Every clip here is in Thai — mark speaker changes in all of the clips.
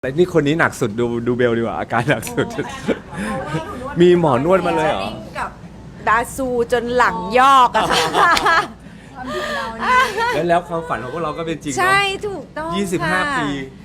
Speaker 1: แต่นี่คนนี้หนักสุดดูเบลดีกว่าอาการหนักสุด มีหมอนวดมาเลยเหรอ
Speaker 2: กับบาซูจนหลังยอกอะค่ะ
Speaker 1: แล้วความฝันของพวกเราก็เป็นจริงเนอะ
Speaker 2: ใช่ถูกต้องค่ะ
Speaker 1: 25 ปี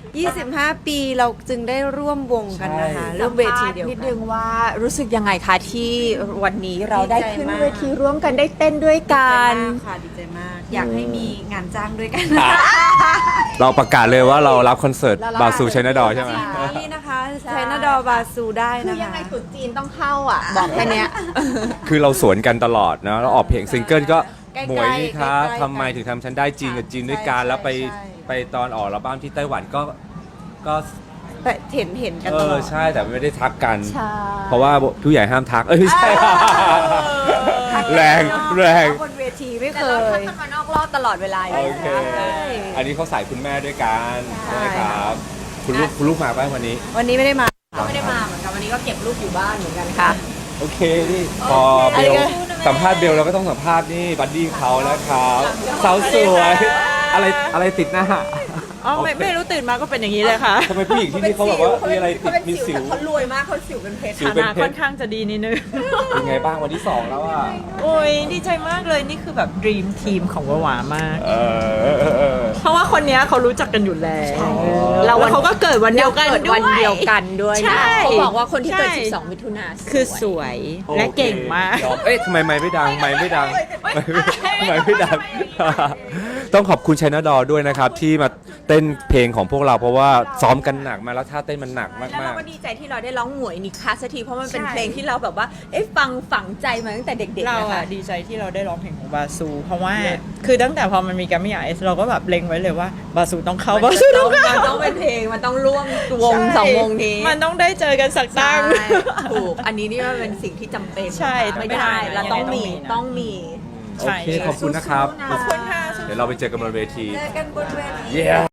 Speaker 2: 25 ปีเราจึงได้ร่วมวงกันนะคะร่วมเวทีเดียว
Speaker 3: นิด
Speaker 2: กั
Speaker 3: นึ
Speaker 2: น
Speaker 3: งว่ารู้สึกยังไงคะที่วันนี้เราได้ขึ้น
Speaker 2: ดีใจมาก
Speaker 3: เวทีร่วมกันได้เต้นด้วยกัน
Speaker 2: ดีใจมากค่ะดีใจมาก อยากให้มีงานจ้างด้วยกัน
Speaker 1: เราประกาศเลยว่าเรารับคอนเสิร์ต
Speaker 3: เรารับ
Speaker 1: บาซูชัยนาดอใช่ไหม
Speaker 2: นี่นะคะไชน่าดอบาซูได้
Speaker 3: คื
Speaker 2: นะ
Speaker 3: อยัง
Speaker 2: คะ
Speaker 3: ไงตรุ๊จีนต้องเข้าอ่ะ บอกแค่เนี้ย
Speaker 1: คือเราสวนกันตลอดนะเราออกเพลงซิงเกิลก็
Speaker 2: ใกล้ๆ
Speaker 1: หมวยนี่ครับ
Speaker 2: ใกล้ๆ
Speaker 1: ทำไมถึงทำฉันได้จีนกับจีนด้วยกัน
Speaker 2: ใช่
Speaker 1: แล้วไป
Speaker 2: ใช่
Speaker 1: ไปตอนออกอัลบั้มที่ไต้หวันก็
Speaker 2: แต่เห็นกันตลอด
Speaker 1: ใช่แต่ไม่ได้ทักกัน
Speaker 3: ใช่
Speaker 1: เพราะว่าผู้ใหญ่ห้ามทักไม่ใช่ แรงแรง
Speaker 2: บนเวทีไม่
Speaker 3: แต่
Speaker 2: เค
Speaker 3: เราทัก
Speaker 2: ย
Speaker 3: กันมานอกรอบตลอดเวลาอยู่
Speaker 1: โอเค
Speaker 3: แล้ว
Speaker 1: อันนี้เขาใส่คุณแม่ด้วยกัน
Speaker 2: ใช่
Speaker 1: ใช่ไหมครับ คุณลูกมาป่ะวันนี้
Speaker 2: วันนี้ไม่ได้มา
Speaker 3: ก็ไม่ได้มาเหมือนกันวันนี้ก็เก็บลูกอยู่บ้านเหมือนกันค่ะ
Speaker 1: โอเคนี่พอเบ
Speaker 2: อะไร
Speaker 1: ล
Speaker 2: กัน
Speaker 1: สัมภาษณ์เบลเราก็ต้องสัมภาษณ์นี่บัดดี้เขานะครับสาวสวยอะไรติดหน้า
Speaker 4: อ๋อไม่รู้ตื่นมาก็เป็นอย่างนี้เลยค่ะ
Speaker 1: ทำไมผู้หญิงที่นี่เขาแบบว่ามีอะไรติดมีสิว
Speaker 3: เขารวยมากเขาสิวเป็นเพชร
Speaker 1: สิว
Speaker 4: ฐา
Speaker 1: เป็น
Speaker 4: นะ
Speaker 1: เพ
Speaker 4: ค่
Speaker 1: ช
Speaker 4: อน
Speaker 1: ร
Speaker 4: ข้างจะดีนิดนึง
Speaker 1: เป็นไงบ้างวันที่สองแล้วอ่ะ
Speaker 4: โอ้ยดีใจมากเลยนี่คือแบบดีมทีมของวาวามาก
Speaker 1: เออ
Speaker 4: เพราะว่าคนเนี้ยเขารู้จักกันอยู่แล้ว
Speaker 3: เรา
Speaker 4: แล้วเขาก็เกิดวันเดียวกัน
Speaker 3: เกิด
Speaker 4: ด้ว
Speaker 3: วันเดียวกันด้วย
Speaker 4: ใช่
Speaker 3: นะเขาบอกว่าคนที่เกิด
Speaker 4: ใช่
Speaker 3: 12 มิถุนา
Speaker 4: คือสวยและเก่งมาก
Speaker 1: โอเคยอเอ๊ะทำไมไม่ดังไม่ดังไม่ดัง ต้องขอบคุณชัยนาดอด้วยนะครับที่มาเต้นเพลงของพวกเราเพราะว่าซ้อมกันหนักมาแล้วท่าเต้นมันหนักมาก
Speaker 3: แล้ว
Speaker 1: มา
Speaker 3: เรา
Speaker 1: ก
Speaker 3: ก็ดีใจที่เราได้ร้องหมวยนิคาสักทีเพราะมันเป็น
Speaker 4: ใช่
Speaker 3: เพลงที่เราแบบว่าฟังฝังใจมาตั้งแต่เด็กๆ
Speaker 4: เรา
Speaker 3: นะคะ
Speaker 4: อะดีใจที่เราได้ร้องเพลงของบาซู เพราะว่าคือตั้งแต่พอมันมีแกรมมี่ไอซ์เราก็แบบเล็งไว้เลยว่าบาซูต้องเข้าบาซูต้องเข้า
Speaker 3: มันต้องเป็นเพลงมันต้องร่วมวง
Speaker 4: ใช่
Speaker 3: สองวงนี้
Speaker 4: มันต้องได้เจอกันสักตั้ง
Speaker 3: ใช่ถูกอันนี้นี่มันเป็นสิ่งที่จำเป็น
Speaker 4: ใช่
Speaker 3: ไม่ได้เราต้องมี
Speaker 4: ต้องมี
Speaker 1: โอเคขอบคุณนะครับ
Speaker 3: ขอบคุณค่ะ
Speaker 1: เดี๋ยวเราไปเจอกันบนเวที
Speaker 2: เจอกันบนเวที
Speaker 1: Yeah